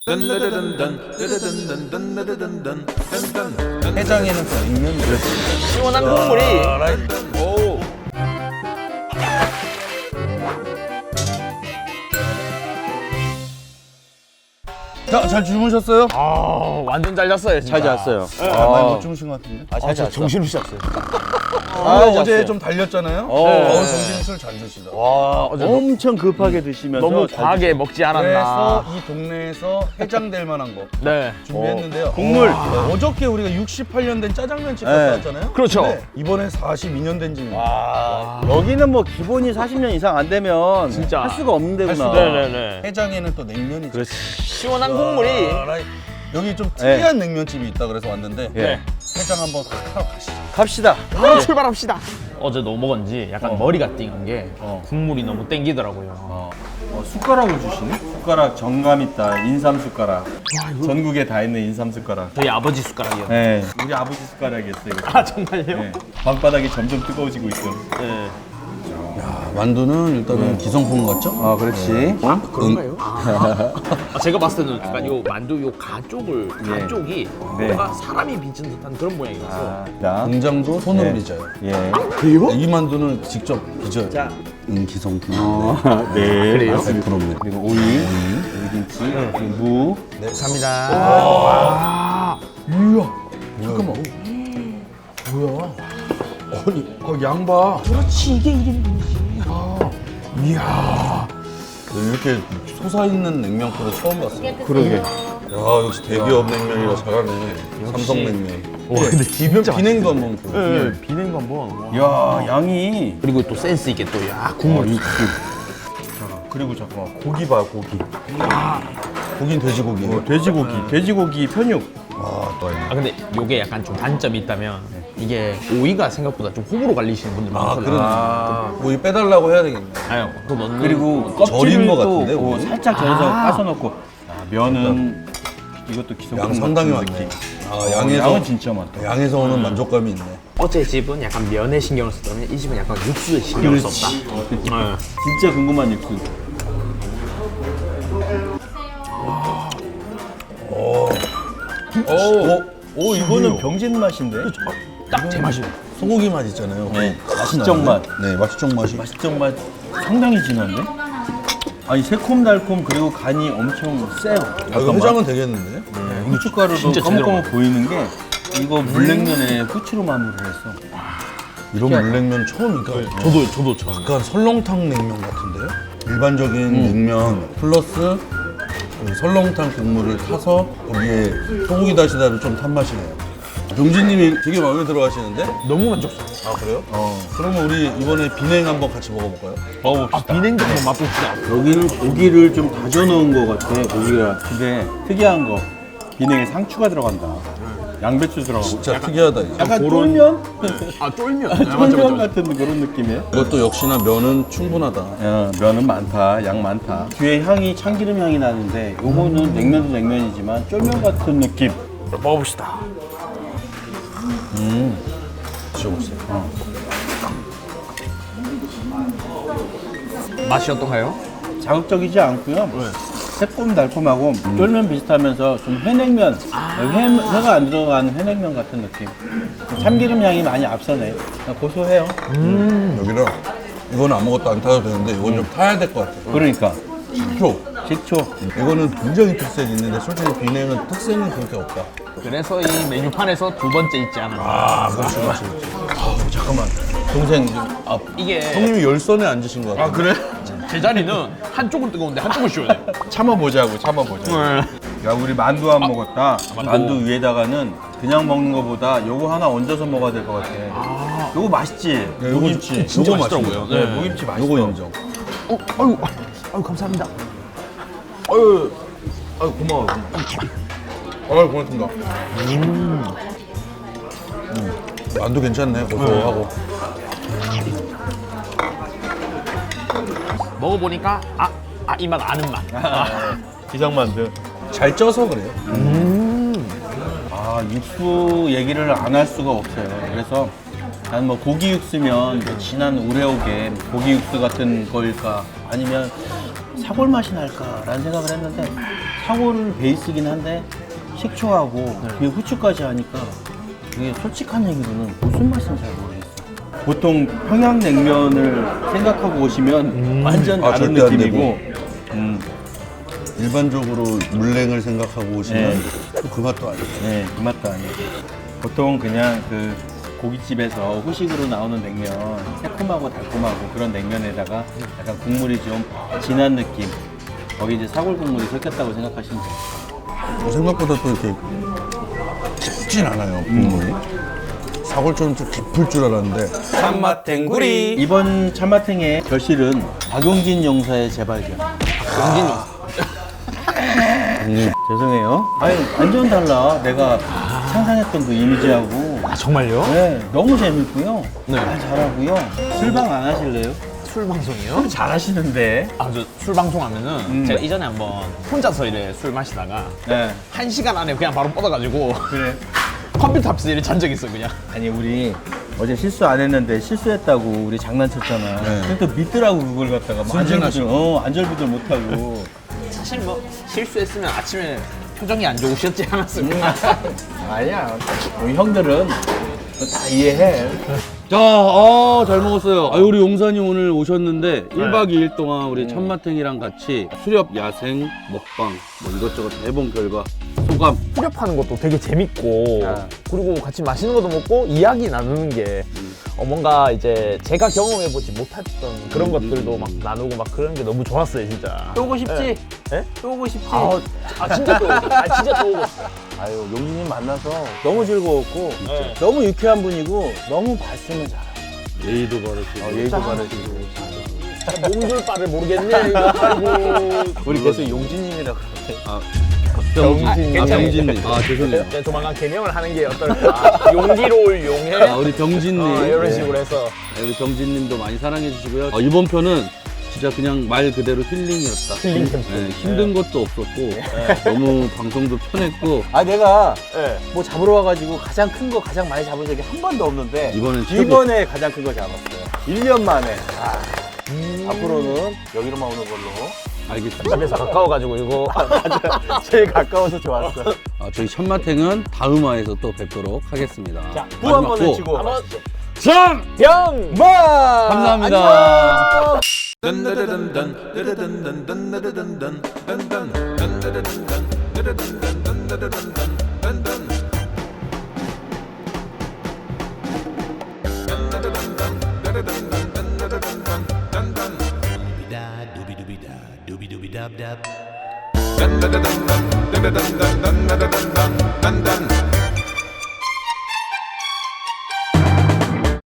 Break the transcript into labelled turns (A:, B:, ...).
A: 해장에는 또 냉면이 들었습니다.
B: 시원한 국물이. 오.
A: 자, 잘 주무셨어요?
B: 아, 완전 잘 잤어요.
C: 잘 잤어요.
A: 많이 못 주무신 것 같은데?
C: 잘 잤어.
B: 정신없이 잤어요.
A: 어제
C: 잤어요.
A: 좀 달렸잖아요?
C: 어.
A: 정신술 잘 주시다.
B: 와, 어제
C: 엄청 급하게 드시면서
B: 너무
C: 잘
B: 과하게 먹지
A: 그래서
B: 않았나.
A: 이 동네에서 해장될 만한 거
B: 네.
A: 준비했는데요.
C: 국물.
A: 어저께 우리가 68년 된 짜장면집
C: 네.
A: 갔다 왔잖아요?
B: 그렇죠.
A: 근데 이번엔 42년 된 집입니다.
C: 와, 여기는 뭐 기본이 40년 이상 안 되면
B: 진짜.
C: 할 수가 없는 데구나.
A: 수가
B: 네네네.
A: 해장에는 또 냉면이
C: 그렇지.
B: 시원한 국물이.
A: 여기 좀 특이한 냉면집이 있다 그래서 왔는데
C: 예.
A: 해장 한번 하러 가시죠.
C: 갑시다.
B: 바로 출발합시다. 어제 너무 먹었는지 약간 머리가 띵한 게 국물이 너무 땡기더라고요.
C: 숟가락을 주시네? 숟가락 정감 있다. 인삼 숟가락. 전국에 다 있는 인삼 숟가락.
B: 저희 아버지 숟가락이요.
C: 네. 우리 아버지 숟가락이었어요. 이거.
B: 아, 정말요?
C: 네. 방바닥이 점점 뜨거워지고 있어.
B: 네.
A: 만두는 일단은 기성품 같죠?
C: 아, 그렇지.
B: 그런가요? 제가 봤을 때는 약간 요 만두 요 가쪽이
C: 네.
B: 뭔가 사람이 빚은 듯한 그런 모양이라서.
C: 자,
A: 공장도 손으로
C: 네.
A: 빚어요.
C: 예.
B: 그래요?
A: 이 만두는 직접 빚어요.
C: 자.
A: 기성품.
C: 네.
B: 그래요?
A: 100%입니다.
C: 그리고 오이, 오이김치, 그리고 무.
B: 감사합니다.
A: 이야, 잠깐만. 뭐야? 아니, 양봐.
B: 그렇지, 이게 1인분이지.
A: 이야. 이렇게 솟아있는 냉면코를 처음 봤어요.
C: 그러게.
A: 야, 역시 대기업 냉면이라 잘하네. 삼성냉면.
B: 근데
A: 비냉도 한번 보여요.
B: 네, 비냉도 한번.
C: 야, 양이.
B: 그리고 또 센스 있게 또 국물.
C: 그리고 잠깐만, 고기 봐, 고기.
A: 고긴 돼지고기.
C: 돼지고기 편육.
A: 아, 또
B: 아, 근데 요게 약간 좀 단점이 있다면 이게 오이가 생각보다 좀 호불호 갈리시는 분들
A: 아,
B: 많거든요.
A: 그러네. 뭐 빼달라고 해야 되겠네.
B: 아유, 그거 넣는
C: 그리고
A: 절인
C: 껍질을
A: 것
C: 또
A: 같은데, 오이?
C: 살짝 절여서 까서 넣고. 면은 이것도 기성품
A: 양 상당히
C: 같은
A: 많네.
C: 느낌.
A: 아,
C: 양은 진짜 많다.
A: 양에서 오는 만족감이 있네.
B: 어제 집은 약간 면에 신경을 썼다면 이 집은 약간 육수에 신경을 썼다.
C: 진짜 궁금한 육수. 오, 이거는 병진 맛인데?
B: 딱 제 맛이에요.
A: 소고기 맛 있잖아요.
C: 맛있정 맛.
A: 네, 맛있정 맛이.
C: 맛있정 맛 상당히 진한데? 아니 새콤달콤 그리고 간이 엄청 세요.
A: 아, 이거 해장은 되겠는데?
C: 후춧가루도
B: 진짜
C: 검은검은 보이는 게 이거 물냉면에 후추로 마무리를 했어.
A: 이런 물냉면 처음이니까.
B: 저도 처음.
A: 약간 설렁탕 냉면 같은데요? 일반적인 냉면 플러스 그 설렁탕 국물을 타서 거기에 소고기 다시다를 좀 탄 맛이네요. 병진님이 되게 마음에 들어 하시는데?
B: 너무 만족스러워.
A: 아, 그래요? 그러면 우리 이번에 비냉 한번 같이 먹어볼까요?
B: 아, 비냉도 한번 맛봅시다.
C: 여기는 고기를 좀 다져 넣은 것 같아. 고기가. 근데 특이한 거 비냉에 상추가 들어간다. 양배추 들어가고.
A: 진짜 특이하다, 이제.
C: 약간
B: 그런-
C: 쫄면?
B: 아, 쫄면.
C: 쫄면 같은 그런 느낌이에요.
A: 이것도 역시나 면은 충분하다.
C: 야, 면은 많다, 양 많다. 뒤에 향이 참기름 향이 나는데 요거는 냉면도 냉면이지만 쫄면 같은 느낌.
B: 먹어봅시다.
A: 드셔보세요.
B: 맛이 어떤가요?
C: 자극적이지 않고요. 새콤달콤하고 쫄면 비슷하면서 좀 회냉면, 회가 안 들어가는 회냉면 같은 느낌. 참기름 향이 많이 앞서네. 고소해요.
A: 여기는 이거는 아무것도 안 타도 되는데 이건 좀 타야 될 것 같아요.
C: 그러니까
A: 식초.
C: 식초.
A: 이거는 굉장히 특색이 있는데 솔직히 비냉은 특색은 그렇게 없다.
B: 그래서 이 메뉴판에서 두 번째 있지 않나.
A: 아, 그렇지, 그렇지. 잠깐만. 동생,
B: 이게
A: 형님이 열선에 앉으신 것 같아요.
B: 그래? 제 자리는 한쪽은 뜨거운데 한쪽은 시원해.
C: 참아보자고, 참아보자. 야, 우리 만두 안 먹었다. 만두 위에다가는 그냥 먹는 거보다 요거 하나 얹어서 먹어야 될 것 같아. 요거 맛있지?
A: 네, 요거 진짜
B: 요거
A: 맛있더라고요.
B: 맛있더라고요. 네.
C: 무김치 맛있어.
A: 요거 인정.
B: 아유, 감사합니다.
A: 아유, 고마워요. 아유, 고맙습니다. 만두 괜찮네, 고소하고.
B: 먹어보니까 이 맛 아는 맛.
C: 기장만두.
A: 잘 쪄서 그래요.
C: 아, 육수 얘기를 안 할 수가 없어요. 그래서 난 뭐 고기 육수면 뭐 진한 우레옥의 고기 육수 같은 거일까 아니면 사골 맛이 날까라는 생각을 했는데 사골을 베이스긴 한데 식초하고 그리고 후추까지 하니까 이게 솔직한 얘기로는 무슨 맛인지 잘 모르겠어요. 보통 평양냉면을 생각하고 오시면 완전
A: 아,
C: 다른
A: 절대 안
C: 느낌이고
A: 일반적으로 물냉을 생각하고 오시면
C: 네.
A: 또 그 맛도 아니에요.
C: 네, 그 맛도 아니고 보통 그냥 그 고깃집에서 후식으로 나오는 냉면 새콤하고 달콤하고 그런 냉면에다가 약간 국물이 좀 진한 느낌 거기 이제 사골 국물이 섞였다고 생각하시면 돼요.
A: 생각보다 또 이렇게 깊진 않아요, 국물이. 사골처럼 좀 깊을 줄 알았는데.
D: 참맛 탱구리.
C: 이번 참마탱의 결실은 박용진 용사의 재발견.
B: 용진 용
C: 죄송해요. 아니 완전 달라. 내가 상상했던 그 이미지하고.
B: 아 정말요?
C: 네, 너무 재밌고요.
B: 네.
C: 말 잘하고요. 술방 안 하실래요?
B: 술 방송이요?
C: 잘하시는데.
B: 아 저 술 방송하면은 제가 이전에 한번 혼자서 이래 술 마시다가
C: 네.
B: 1시간 안에 그냥 바로 뻗어가지고
C: 그래.
B: 컴퓨터 앞에서 이래 잔 적 있어 그냥.
C: 아니 우리 어제 실수 안 했는데 실수했다고 우리 장난쳤잖아.
A: 네.
C: 그러니까 믿더라고 그걸 갖다가 뭐
A: 순진하시고.
C: 안절부절 못하고.
B: 사실 뭐 실수했으면 아침에 표정이 안 좋으셨지 않았습니까?
C: 아니야. 우리 형들은 다 이해해.
A: 자, 잘 먹었어요. 우리 용사님 오늘 오셨는데 1박 2일 동안 우리 참마탱이랑 같이 수렵, 야생, 먹방 뭐 이것저것 해본 결과 소감.
B: 수렵하는 것도 되게 재밌고 그리고 같이 맛있는 것도 먹고 이야기 나누는 게 뭔가 이제 제가 경험해보지 못했던 그런 것들도 막 나누고 막 그런 게 너무 좋았어요 진짜.
C: 또 오고 싶지?
B: 예?
C: 또 오고 싶지?
B: 진짜 또 오고 싶어요. 진짜 또 오고 싶어요.
C: 아유, 용진님 만나서 너무 즐거웠고
B: 네.
C: 너무 유쾌한 분이고 너무 말씀을 잘해요.
A: 예의도 바르시고.
C: 예의도 바르시고.
B: 몸둘 바를 모르겠네 이거. 아이고.
C: 우리 계속 용진님이라고 그러네.
B: 병진.
A: 병진님. 죄송해요.
B: 네, 조만간 개명을 하는 게 어떨까. 용기로 올 용해.
A: 우리 병진님.
B: 이런 식으로 해서.
A: 우리 병진님도 많이 사랑해 주시고요. 이번 편은 진짜 그냥 말 그대로 힐링이었다.
B: 힐링 캠프.
A: 네, 힘든 것도 없었고 너무 방송도 편했고
C: 아 내가
B: 네.
C: 뭐 잡으러 와가지고 가장 큰 거 가장 많이 잡은 적이 한 번도 없는데
A: 이번엔 최고.
C: 이번에 가장 큰 거 잡았어요. 1년 만에. 앞으로는 여기로만 오는 걸로.
A: 알겠습니다.
B: 집에서 가까워가지고 이거.
C: 제일 가까워서 좋았어.
A: 저희 천마탱은 다음 화에서 또 뵙도록 하겠습니다.
C: 구 한 번
A: 마지막
C: 외치고.
B: 한번
A: 참!
B: 병!
C: 마!
A: 감사합니다.
D: Dun dun dun dun dun dun dun dun dun dun dun dun dun.